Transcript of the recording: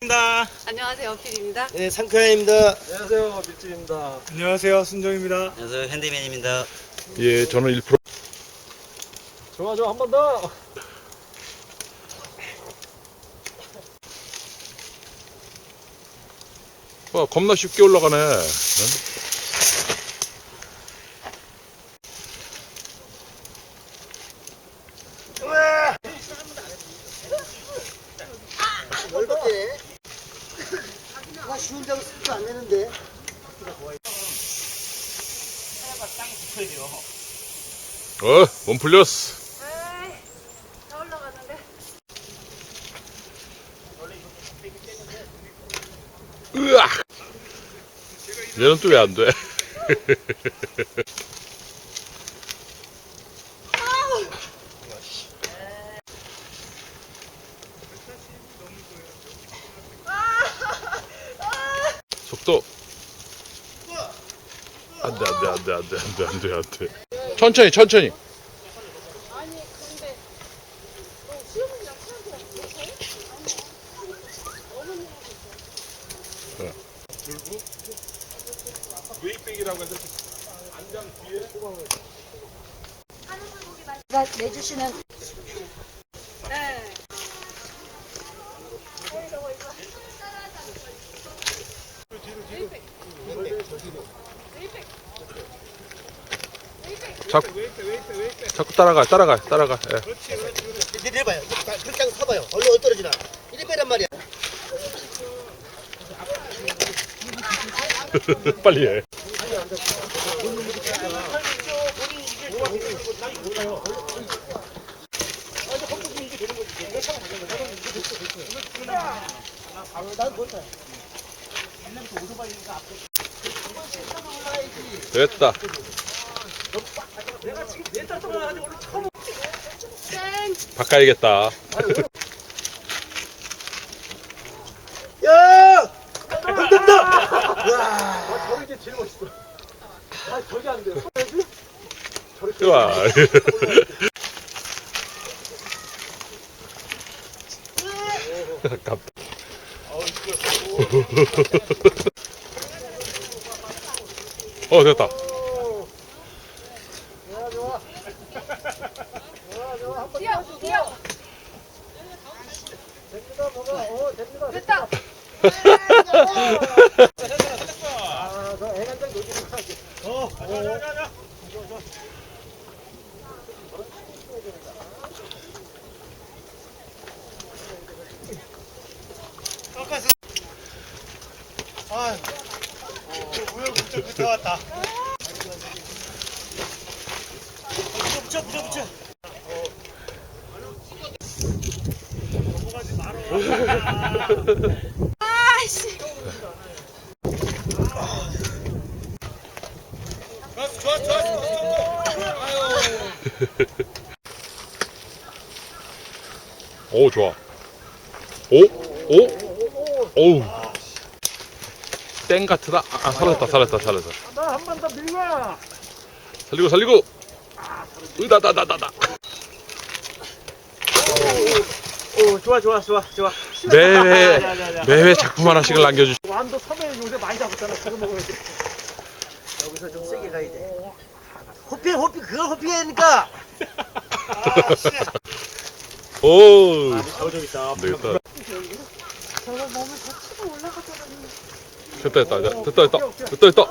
안녕하세요, 필입니다. 네, 상쾌입니다. 안녕하세요, 밀집입니다. 안녕하세요, 순정입니다. 안녕하세요, 핸디맨입니다. 예, 저는 1%. 좋아, 한 번 더. 와, 겁나 쉽게 올라가네. 응? 넓었대. 아, 쉬운 자고 쓰도 안 되는데. 몸 풀렸어. 다 올라가는데. 으악! 얘는 또 왜 안 돼? 속도. 안 돼. 천천히. 아니, 근데 시어머니랑 친한테 못해? 웨이백이라고 해서 안장 뒤에 내주시는. 네. 자꾸 따라가. 예. 내려봐요. 그렇게 하고 서봐요. 얼른 떨어지나. 이리 빼란 말이야. 빨리 해. 됐다. 바꿔야겠다. 야! 됐다! 와! 저런 게 제일 멋있어. 저게 안 돼요. 좋아. 됐다. 뛰어. 됩니다, 뭐가. 됩니다. 됐다. 저 애간장 노지는 거 할게. 아, 우여곡절 붙어왔다. 붙여. 아이씨. 오, 좋아. 오우. 땡 같으다. 살았다. 나 한 번 더 밀고. 살리고. 으다다다다다. 좋아. 매회 작품 하나씩을 남겨주시. 완도 섬에 요새 많이 잡았잖아. 그거 먹어야지. 여기서 좀 세게 가야 돼. 호피, 그걸 호피하니까. 오. 좀 있다. 되겠다. 저거 몸을 다치고 올라가더라니. 됐다.